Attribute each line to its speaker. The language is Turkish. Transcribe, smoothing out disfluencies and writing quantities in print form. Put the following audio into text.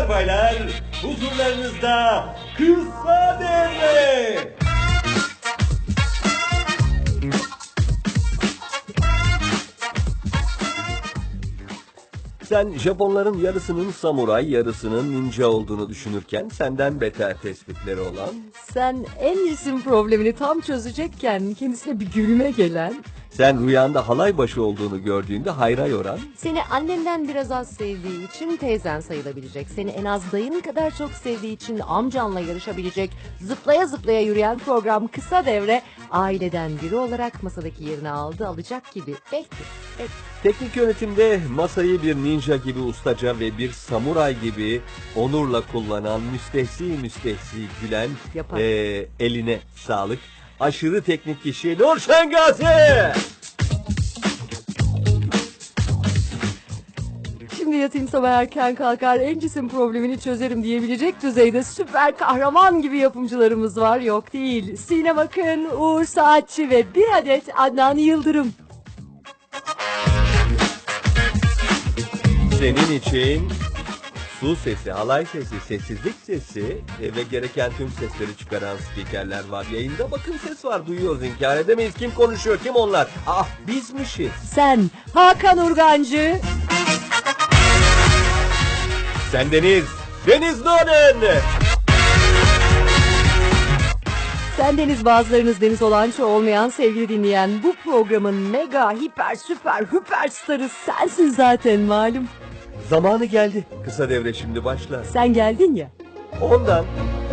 Speaker 1: Hanımlar baylar, huzurlarınızda Kısa Devre. Sen Japonların yarısının samuray, yarısının ninja olduğunu düşünürken senden beter tespitleri olan...
Speaker 2: Sen Andy'sin problemini tam çözecekken kendisine bir gülme gelen...
Speaker 1: Sen rüyanda halay başı olduğunu gördüğünde hayra yoran...
Speaker 2: Seni annenden biraz az sevdiği için teyzen sayılabilecek. Seni en az dayın kadar çok sevdiği için amcanla yarışabilecek. Zıplaya zıplaya yürüyen program Kısa Devre aileden biri olarak masadaki yerini alacak gibi. Belki.
Speaker 1: Teknik yönetimde masayı bir ninja gibi ustaca ve bir samuray gibi onurla kullanan müstehsi gülen eline sağlık. Aşırı teknik kişi Nur Şengazi.
Speaker 2: Şimdi yatayım sabah erken kalkar Andy'sin problemini çözerim diyebilecek düzeyde süper kahraman gibi yapımcılarımız var. Yok değil. Sinem Akın, Uğur Saatçi ve bir adet Adnan Yıldırım.
Speaker 1: Senin için su sesi, halay sesi, sessizlik sesi ve gereken tüm sesleri çıkaran spikerler var. Yayında bakın ses var, duyuyoruz, inkar edemeyiz. Kim konuşuyor, kim onlar? Ah, bizmişiz.
Speaker 2: Sen Hakan Urgancı.
Speaker 1: Sen Deniz Doğan.
Speaker 2: Sendeniz bazılarınız Deniz Olançı olmayan sevgili dinleyen bu programın mega hiper süper starı sensin zaten malum.
Speaker 1: Zamanı geldi. Kısa Devre şimdi başlar.
Speaker 2: Sen geldin ya.
Speaker 1: Ondan